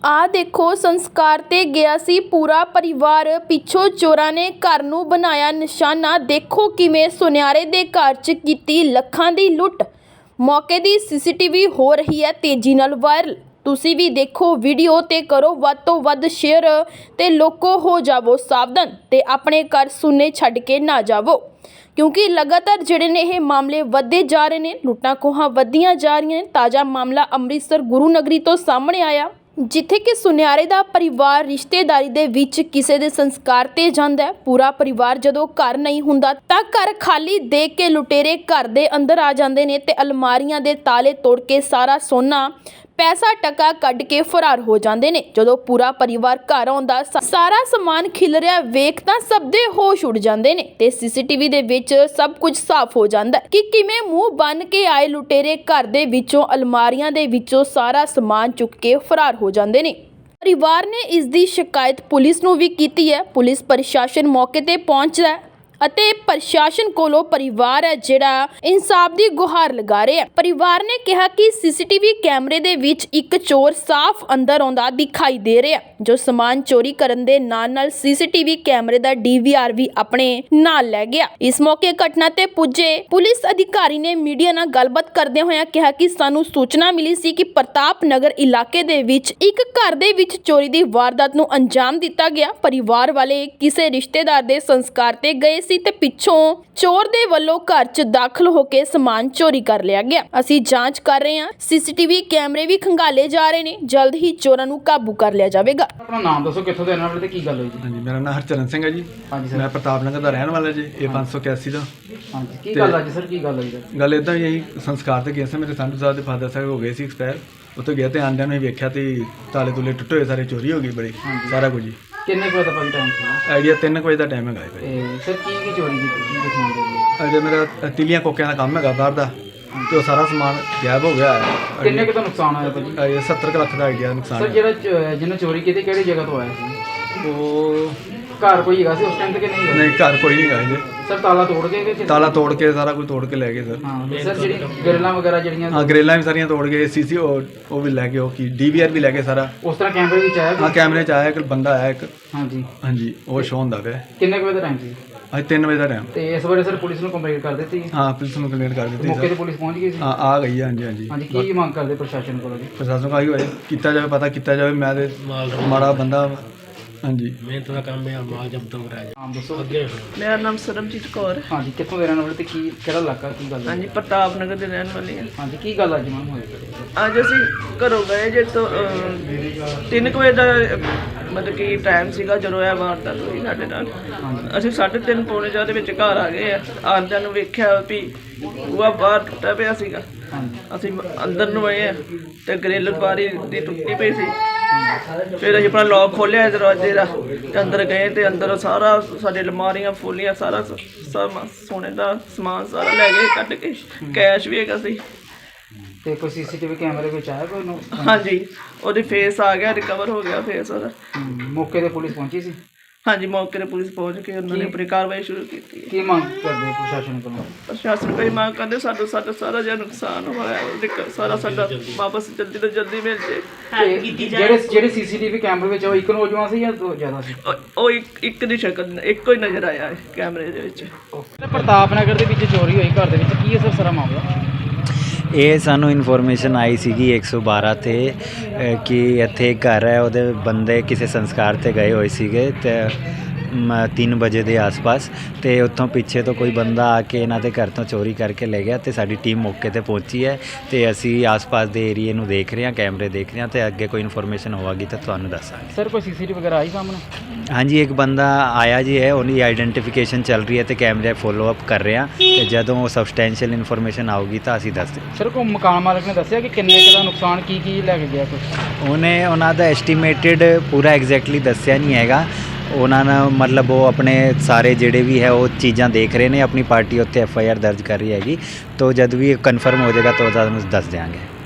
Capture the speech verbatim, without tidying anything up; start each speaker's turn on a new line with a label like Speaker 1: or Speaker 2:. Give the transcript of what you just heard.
Speaker 1: ਆ ਦੇਖੋ ਸੰਸਕਾਰ ਤੇ ਗਿਆ ਸੀ ਪੂਰਾ ਪਰਿਵਾਰ, ਪਿੱਛੋਂ ਚੋਰਾਂ ਨੇ ਘਰ ਨੂੰ ਬਣਾਇਆ ਨਿਸ਼ਾਨਾ। ਦੇਖੋ ਕਿਵੇਂ ਸੁਨਿਆਰੇ ਦੇ ਘਰ 'ਚ ਕੀਤੀ ਲੱਖਾਂ ਦੀ ਲੁੱਟ। ਮੌਕੇ ਦੀ ਸੀਸੀਟੀਵੀ ਹੋ ਰਹੀ ਹੈ ਤੇਜ਼ੀ ਨਾਲ ਵਾਇਰਲ। ਤੁਸੀਂ ਵੀ ਦੇਖੋ ਵੀਡੀਓ ਤੇ ਕਰੋ ਵੱਧ ਤੋਂ ਵੱਧ ਸ਼ੇਅਰ ਤੇ ਲੋਕੋ ਹੋ ਜਾਵੋ ਸਾਵਧਾਨ ਤੇ ਆਪਣੇ ਘਰ ਸੁੰਨੇ ਛੱਡ ਕੇ ਨਾ ਜਾਵੋ, ਕਿਉਂਕਿ ਲਗਾਤਾਰ ਜਿਹੜੇ ਨੇ ਇਹ ਮਾਮਲੇ ਵੱਧਦੇ ਜਾ ਰਹੇ ਨੇ, ਲੁੱਟਾਂ ਖੋਹਾਂ ਵੱਧਦੀਆਂ ਜਾ ਰਹੀਆਂ ਨੇ। ਤਾਜ਼ਾ ਮਾਮਲਾ ਅੰਮ੍ਰਿਤਸਰ ਗੁਰੂ ਨਗਰੀ ਤੋਂ ਸਾਹਮਣੇ ਆਇਆ, ਜਿੱਥੇ ਕਿ ਸੁਨਿਆਰੇ ਦਾ ਪਰਿਵਾਰ ਰਿਸ਼ਤੇਦਾਰੀ ਦੇ ਵਿੱਚ ਕਿਸੇ ਦੇ ਸੰਸਕਾਰ ਤੇ ਜਾਂਦਾ ਹੈ। ਪੂਰਾ ਪਰਿਵਾਰ ਜਦੋਂ ਘਰ ਨਹੀਂ ਹੁੰਦਾ ਤਾਂ ਘਰ ਖਾਲੀ ਦੇਖ ਕੇ ਲੁਟੇਰੇ ਘਰ ਦੇ ਅੰਦਰ ਆ ਜਾਂਦੇ ਨੇ ਤੇ ਅਲਮਾਰੀਆਂ ਦੇ ਤਾਲੇ ਤੋੜ ਕੇ ਸਾਰਾ ਸੋਨਾ ਪੈਸਾ ਟਕਾ ਕੱਢ ਕੇ ਫਰਾਰ ਹੋ ਜਾਂਦੇ ਨੇ। ਜਦੋਂ ਪੂਰਾ ਪਰਿਵਾਰ ਘਰ ਆਉਂਦਾ ਸਾਰਾ ਸਮਾਨ ਖਿਲ ਰਿਹਾ ਵੇਖ ਤਾਂ ਸਭ ਦੇ ਹੋਸ਼ ਉੱਡ ਜਾਂਦੇ ਨੇ ਤੇ ਸੀਸੀਟੀਵੀ ਦੇ ਵਿੱਚ ਸਭ ਕੁਝ ਸਾਫ਼ ਹੋ ਜਾਂਦਾ ਕਿ ਕਿਵੇਂ ਮੂੰਹ ਬੰਨ ਕੇ ਆਏ ਲੁਟੇਰੇ ਘਰ ਦੇ ਵਿੱਚੋਂ ਅਲਮਾਰੀਆਂ ਦੇ ਵਿੱਚੋਂ ਸਾਰਾ ਸਮਾਨ ਚੁੱਕ ਕੇ ਫਰਾਰ ਹੋ ਜਾਂਦੇ ਨੇ। ਪਰਿਵਾਰ ਨੇ ਇਸ ਦੀ ਸ਼ਿਕਾਇਤ ਪੁਲਿਸ ਨੂੰ ਵੀ ਕੀਤੀ ਹੈ। ਪੁਲਿਸ ਪ੍ਰਸ਼ਾਸਨ ਮੌਕੇ ਤੇ ਪਹੁੰਚਦਾ ਹੈ ਅਤੇ ਪ੍ਰਸ਼ਾਸਨ ਕੋਲੋਂ ਪਰਿਵਾਰ ਹੈ ਜਿਹੜਾ ਇਨਸਾਫ ਦੀ ਗੁਹਾਰ ਲਗਾ ਰਿਹਾ। ਪਰਿਵਾਰ ਨੇ ਕਿਹਾ ਕਿ ਸੀਸੀਟੀਵੀ ਕੈਮਰੇ ਦੇ ਵਿੱਚ ਇੱਕ ਚੋਰ ਸਾਫ਼ ਅੰਦਰ ਆਉਂਦਾ ਦਿਖਾਈ ਦੇ ਰਿਹਾ, ਜੋ ਸਮਾਨ ਚੋਰੀ ਕਰਨ ਦੇ ਨਾਲ ਨਾਲ ਸੀਸੀਟੀਵੀ ਕੈਮਰੇ ਦਾ ਡੀਵੀਆਰ ਵੀ ਆਪਣੇ ਨਾਲ ਲੈ ਗਿਆ। ਇਸ ਮੌਕੇ ਘਟਨਾ ਤੇ ਪੁੱਜੇ ਪੁਲਿਸ ਅਧਿਕਾਰੀ ਨੇ ਮੀਡੀਆ ਨਾਲ ਗੱਲਬਾਤ ਕਰਦੇ ਹੋਇਆ ਕਿਹਾ ਕਿ ਸਾਨੂੰ ਸੂਚਨਾ ਮਿਲੀ ਸੀ ਕਿ ਪ੍ਰਤਾਪ ਨਗਰ ਇਲਾਕੇ ਦੇ ਵਿੱਚ ਇੱਕ ਘਰ ਦੇ ਵਿੱਚ ਚੋਰੀ ਦੀ ਵਾਰਦਾਤ ਨੂੰ ਅੰਜਾਮ ਦਿੱਤਾ ਗਿਆ। ਪਰਿਵਾਰ ਵਾਲੇ ਕਿਸੇ ਰਿਸ਼ਤੇਦਾਰ ਦੇ ਸੰਸਕਾਰ ਤੇ ਗਏ ਤੇ ਪਿੱਛੋਂ ਚੋਰ ਦੇ ਵੱਲੋਂ ਘਰ 'ਚ ਦਾਖਲ ਹੋ ਕੇ ਸਮਾਨ ਚੋਰੀ ਕਰ ਲਿਆ ਗਿਆ। ਅਸੀਂ ਜਾਂਚ ਕਰ ਰਹੇ ਹਾਂ, ਸੀਸੀਟੀਵੀ ਕੈਮਰੇ ਵੀ ਖੰਗਾਲੇ ਜਾ ਰਹੇ ਨੇ, ਜਲਦ ਹੀ ਚੋਰਾਂ ਨੂੰ ਕਾਬੂ ਕਰ ਲਿਆ ਜਾਵੇਗਾ।
Speaker 2: ਆਪਣਾ ਨਾਮ ਦੱਸੋ, ਕਿੱਥੋਂ ਦੇ ਰਹਿਣ ਵਾਲੇ ਤੇ ਕੀ ਗੱਲ ਹੋਈ ਜੀ?
Speaker 3: ਹਾਂਜੀ, ਮੇਰਾ ਨਾਮ ਹਰਚਰਨ ਸਿੰਘ ਹੈ ਜੀ।
Speaker 2: ਹਾਂਜੀ ਸਰ।
Speaker 3: ਮੈਂ ਪ੍ਰਤਾਪ ਨਗਰ ਦਾ ਰਹਿਣ ਵਾਲਾ ਜੀ, ਇਹ ਪੰਜ ਸੌ ਇਕਿਆਸੀ ਦਾ।
Speaker 2: ਹਾਂਜੀ, ਕੀ ਗੱਲ ਅੱਜ ਸਰ, ਕੀ ਗੱਲ ਹੋਈ ਸਰ?
Speaker 3: ਗੱਲ ਇੱਦਾਂ ਹੀ ਇਹੀ ਸੰਸਕਾਰ ਤੇ ਗਿਆ ਸੀ, ਮੇਰੇ ਸੰਧੂ ਸਾਹਿਬ ਦੇ ਫਾਦਰ ਸਾਹਿਬ ਹੋ ਗਏ ਸੀ ਐਕਸਪਾਇਰ। ਉੱਥੇ ਗਿਆ ਤੇ ਆਂਦਿਆਂ ਨੂੰ ਹੀ ਵੇਖਿਆ ਤੇ ਤਾਲੇ ਤੁਲੇ ਟੁੱਟੇ ਹੋਏ, ਸਾਰੇ ਚੋਰੀ ਹੋ ਗਈ ਬੜੀ, ਸਾਰਾ ਕੁਝ ਜੀ।
Speaker 2: ਕਿੰਨੇ ਕੁ ਵਜੇ ਦਾ ਭਾਈ ਟਾਈਮ ਸੀ?
Speaker 3: ਆਈਡੀਆ ਤਿੰਨ ਕੁ ਵਜੇ ਦਾ ਟਾਈਮ ਹੈਗਾ ਭਾਈ।
Speaker 2: ਤੇ ਸਰ ਕੀ ਕੀ ਚੋਰੀ ਕੀਤੀ ਕੀ ਦਿਖਾਉਣ ਦੇ?
Speaker 3: ਅਜੇ ਮੇਰਾ ਤਿਲੀਆਂ ਕੋਕਿਆਂ ਦਾ ਕੰਮ ਹੈਗਾ ਬਾਹਰ ਦਾ, ਤੇ ਉਹ ਸਾਰਾ ਸਮਾਨ ਗਾਇਬ ਹੋ ਗਿਆ ਹੈ।
Speaker 2: ਕਿੰਨੇ ਕੁ ਦਾ ਨੁਕਸਾਨ ਹੋਇਆ ਭਾਜੀ?
Speaker 3: ਇਹ ਸੱਤਰ ਕੁ ਲੱਖ ਦਾ ਆਈਡੀਆ ਨੁਕਸਾਨ।
Speaker 2: ਸਰ ਜਿਹੜਾ ਜਿਹਨੇ ਚੋਰੀ ਕੀਤੀ ਕਿਹੜੀ ਜਗ੍ਹਾ ਤੋਂ ਆਇਆ ਸੀ?
Speaker 3: ਉਹ
Speaker 2: ਘਰ ਕੋਈ ਹੈਗਾ ਸੀ ਉਸ ਟਾਈਮ ਤੇ ਕਿ ਨਹੀਂ ਹੈਗਾ?
Speaker 3: ਨਹੀਂ, ਘਰ ਕੋਈ ਨਹੀਂ ਹੈਗਾ ਜੀ।
Speaker 2: ਸਰ ਤਾਲਾ ਤੋੜ ਕੇ ਕਿ
Speaker 3: ਤਾਲਾ ਤੋੜ ਕੇ ਸਾਰਾ ਕੁਝ ਤੋੜ ਕੇ ਲੈ ਗਏ ਸਰ।
Speaker 2: ਹਾਂ ਸਰ, ਜਿਹੜੀ ਗਰਲਾਂ ਵਗੈਰਾ ਜਿਹੜੀਆਂ
Speaker 3: ਹਾਂ, ਗਰੇਲਾਂ ਵੀ ਸਾਰੀਆਂ ਤੋੜ ਗਏ, ਸੀਸੀ ਉਹ ਵੀ ਲੈ ਗਏ, ਉਹ ਕੀ ਡੀਵੀਆਰ ਵੀ ਲੈ ਗਏ ਸਾਰਾ।
Speaker 2: ਉਸ ਤਰ੍ਹਾਂ ਕੈਮਰੇ ਵਿੱਚ ਆਇਆ?
Speaker 3: ਹਾਂ, ਕੈਮਰੇ 'ਚ ਆਇਆ ਇੱਕ ਬੰਦਾ ਆਇਆ ਇੱਕ।
Speaker 2: ਹਾਂਜੀ
Speaker 3: ਹਾਂਜੀ, ਉਹ ਸ਼ੋਅ ਹੁੰਦਾ ਪਿਆ।
Speaker 2: ਕਿੰਨੇ ਕੁ ਵਜੇ ਦਾ ਟਾਈਮ ਸੀ?
Speaker 3: ਅੱਜ ਤਿੰਨ ਵਜੇ ਦਾ ਟਾਈਮ।
Speaker 2: ਤੇ ਇਸ ਬਾਰੇ ਸਰ ਪੁਲਿਸ ਨੂੰ ਕੰਪਲੇਂਟ ਕਰ ਦਿੱਤੀ?
Speaker 3: ਹਾਂ, ਪੁਲਿਸ ਨੂੰ ਕੰਪਲੇਂਟ ਕਰ ਦਿੱਤੀ
Speaker 2: ਮੌਕੇ ਤੇ
Speaker 3: ਸਰ।
Speaker 2: ਪੁਲਿਸ ਪਹੁੰਚ ਗਈ ਸੀ?
Speaker 3: ਹਾਂ, ਆ ਗਈ ਹੈ। ਹਾਂਜੀ ਹਾਂਜੀ
Speaker 2: ਹਾਂਜੀ, ਕੀ ਮੰਗ ਕਰਦੇ ਪ੍ਰਸ਼ਾਸਨ ਕੋਲੋਂ ਜੀ?
Speaker 3: ਪ੍ਰਸ਼ਾਸਨ ਕਹੀ ਹੋਏ ਕੀਤਾ ਜਾਵੇ, ਪਤਾ ਕੀਤਾ ਜਾਵੇ। ਮੈਂ ਤੇ ਮਾੜਾ ਬੰਦਾ। ਹਾਂਜੀ,
Speaker 4: ਮਿਹਨਤ ਦਾ ਕੰਮ ਹੈ, ਮਾਲ ਜਬਤ ਹੋ ਰਿਹਾ ਹੈ।
Speaker 2: ਨਾਮ ਦੱਸੋ।
Speaker 4: ਅੱਗੇ
Speaker 5: ਮੇਰਾ ਨਾਮ ਸਰਬਜੀਤ ਕੌਰ ਹੈ।
Speaker 2: ਹਾਂਜੀ, ਕਿੱਥੋਂ ਦੇ ਰਹਿਣ ਵਾਲੇ ਤੇ ਕੀ ਕਿਹੜਾ ਇਲਾਕਾ, ਕੀ ਗੱਲ ਹੈ?
Speaker 5: ਹਾਂਜੀ, ਪ੍ਰਤਾਪ ਨਗਰ ਦੇ ਰਹਿਣ ਵਾਲੇ ਹਾਂ।
Speaker 2: ਹਾਂਜੀ, ਕੀ ਗੱਲ ਅੱਜ ਮੈਮ ਹੋਈ?
Speaker 5: ਅੱਜ ਅਸੀਂ ਘਰੋਂ ਗਏ ਜੇ ਤੋਂ ਅਹ, ਤਿੰਨ ਕੁ ਵਜੇ ਦਾ ਅਹ, ਮਤਲਬ ਕਿ ਟਾਈਮ ਸੀਗਾ ਜਦੋਂ ਇਹ ਵਾਰਦਾਤ ਹੋਈ ਸਾਡੇ ਨਾਲ। ਅਸੀਂ ਸਾਢੇ ਤਿੰਨ ਪੌਣੇ ਚਾਰ ਦੇ ਵਿੱਚ ਘਰ ਆ ਗਏ ਆ। ਆਉਂਦਿਆਂ ਨੂੰ ਵੇਖਿਆ ਵੀ ਬੂਹਾ ਬਾਹਰ ਟੁੱਟਾ ਪਿਆ ਸੀਗਾ। ਅਸੀਂ ਅੰਦਰ ਨੂੰ ਆਏ ਆ ਤੇ ਗ੍ਰਿਲ ਬਾਰੀ ਦੀ ਟੁੱਟੀ ਪਈ ਸੀ। ਫਿਰ ਅਸੀਂ ਆਪਣਾ ਲੌਕ ਖੋਲ੍ਹਿਆ ਦਰਵਾਜ਼ੇ ਦਾ ਤੇ ਅੰਦਰ ਗਏ ਤੇ ਅੰਦਰ ਸਾਰਾ ਸਾਡੇ ਅਲਮਾਰੀਆਂ ਫੋਲੀਆਂ, ਸਾਰਾ ਸਮ ਸੋਨੇ ਦਾ ਸਮਾਨ ਸਾਰਾ ਲੈ ਗਏ ਕੱਢ ਕੇ। ਕੈਸ਼ ਵੀ ਹੈਗਾ ਸੀ।
Speaker 2: ਤੇ ਕੋਈ ਸੀਸੀਟੀਵੀ ਕੈਮਰੇ ਵਿੱਚ ਆਇਆ ਕੋਈ ਨੂੰ?
Speaker 5: ਹਾਂਜੀ, ਉਹਦੀ ਫੇਸ ਆ ਗਿਆ, ਰਿਕਵਰ ਹੋ ਗਿਆ ਫੇਸ ਉਹਦਾ।
Speaker 2: ਮੌਕੇ ਤੇ ਪੁਲਿਸ ਪਹੁੰਚੀ ਸੀ?
Speaker 5: ਹਾਂਜੀ, ਮੌਕੇ ਤੇ ਪੁਲਿਸ ਪਹੁੰਚ ਕੇ ਉਹਨਾਂ ਨੇ ਆਪਣੀ ਕਾਰਵਾਈ ਸ਼ੁਰੂ ਕੀਤੀ।
Speaker 2: ਕੀ ਮੰਗ ਕਰਦੇ ਪ੍ਰਸ਼ਾਸਨ ਕੋਲੋਂ?
Speaker 5: ਪ੍ਰਸ਼ਾਸਨ ਕੋਈ ਮੰਗ ਕਰਦੇ ਸਾਡਾ ਸਾਡਾ ਸਾਰਾ ਜਿਹੜਾ ਨੁਕਸਾਨ ਹੋਇਆ ਉਹਦੇ ਸਾਰਾ ਸਾਡਾ ਵਾਪਸ ਜਲਦੀ ਤੋਂ ਜਲਦੀ ਮਿਲ ਜੇ।
Speaker 2: ਜਿਹੜੇ ਜਿਹੜੇ ਸੀਸੀਟੀਵੀ ਕੈਮਰੇ ਵਿੱਚ ਉਹ ਇੱਕ ਨੌਜਵਾਨ ਸੀ ਜਾਂ ਦੋ ਜ਼ਿਆਦਾ ਸੀ?
Speaker 5: ਉਹ ਇੱਕ ਇੱਕ ਦੀ ਸ਼ਕਲ ਇੱਕੋ ਹੀ ਨਜ਼ਰ ਆਇਆ ਹੈ ਕੈਮਰੇ ਦੇ ਵਿੱਚ।
Speaker 2: ਪ੍ਰਤਾਪ ਨਗਰ ਦੇ ਵਿੱਚ ਚੋਰੀ ਹੋਈ ਘਰ ਦੇ ਵਿੱਚ, ਕੀ ਹੈ ਸਰ ਸਾਰਾ ਮਾਮਲਾ?
Speaker 6: ਇਹ ਸਾਨੂੰ ਇਨਫੋਰਮੇਸ਼ਨ ਆਈ ਸੀਗੀ ਇੱਕ ਸੌ ਬਾਰਾਂ 'ਤੇ ਕਿ ਇੱਥੇ ਘਰ ਹੈ, ਉਹਦੇ ਬੰਦੇ ਕਿਸੇ ਸੰਸਕਾਰ 'ਤੇ ਗਏ ਹੋਏ ਸੀਗੇ ਅਤੇ ਤਿੰਨ ਵਜੇ ਦੇ ਆਸ-ਪਾਸ, ਅਤੇ ਉੱਥੋਂ ਪਿੱਛੇ ਤੋਂ ਕੋਈ ਬੰਦਾ ਆ ਕੇ ਇਹਨਾਂ ਦੇ ਘਰ ਤੋਂ ਚੋਰੀ ਕਰਕੇ ਲੈ ਗਿਆ। ਅਤੇ ਸਾਡੀ ਟੀਮ ਮੌਕੇ 'ਤੇ ਪਹੁੰਚੀ ਹੈ ਅਤੇ ਅਸੀਂ ਆਸ-ਪਾਸ ਦੇ ਏਰੀਏ ਨੂੰ ਦੇਖ ਰਹੇ ਹਾਂ, ਕੈਮਰੇ ਦੇਖ ਰਹੇ ਹਾਂ, ਅਤੇ ਅੱਗੇ ਕੋਈ ਇਨਫੋਰਮੇਸ਼ਨ ਹੋਵੇਗੀ ਤਾਂ ਤੁਹਾਨੂੰ ਦੱਸਾਂਗੇ।
Speaker 2: ਸਰ ਕੋਈ ਸੀਸੀਟੀਵੀ ਵਗੈਰਾ ਆਈ ਸਾਹਮਣੇ?
Speaker 6: ਹਾਂਜੀ, ਇੱਕ ਬੰਦਾ ਆਇਆ ਜੀ ਹੈ, ਉਹਦੀ ਆਈਡੈਂਟੀਫਿਕੇਸ਼ਨ ਚੱਲ ਰਹੀ ਹੈ ਅਤੇ ਕੈਮਰੇ ਫੋਲੋ ਅਪ ਕਰ ਰਹੇ ਹਾਂ, ਅਤੇ ਜਦੋਂ ਉਹ ਸਬਸਟੈਂਸ਼ੀਅਲ ਇਨਫੋਰਮੇਸ਼ਨ ਆਊਗੀ ਤਾਂ ਅਸੀਂ ਦੱਸ ਦਿਆਂਗੇ।
Speaker 2: ਸਰ ਕੋਈ ਮਕਾਨ ਮਾਲਕ ਨੇ ਦੱਸਿਆ ਕਿ ਕਿੰਨੇ ਕੁ ਦਾ ਨੁਕਸਾਨ, ਕੀ ਕੀ ਲੈ ਕੇ ਗਿਆ ਕੁਛ?
Speaker 6: ਉਹਨੇ ਉਹਨਾਂ ਦਾ ਐਸਟੀਮੇਟਿਡ ਪੂਰਾ ਐਗਜ਼ੈਕਟਲੀ ਦੱਸਿਆ ਨਹੀਂ ਹੈਗਾ। ਉਹਨਾਂ ਨੇ ਮਤਲਬ ਉਹ ਆਪਣੇ ਸਾਰੇ ਜਿਹੜੇ ਵੀ ਹੈ ਉਹ ਚੀਜ਼ਾਂ ਦੇਖ ਰਹੇ ਨੇ, ਆਪਣੀ ਪਾਰਟੀ ਉੱਤੇ ਐਫ ਆਈ ਆਰ ਦਰਜ ਕਰ ਰਹੀ ਹੈਗੀ, ਤਾਂ ਜਦ ਵੀ ਕਨਫਰਮ ਹੋ ਜਾਏਗਾ ਤਾਂ ਤੁਹਾਨੂੰ ਦੱਸ ਦਿਆਂਗੇ।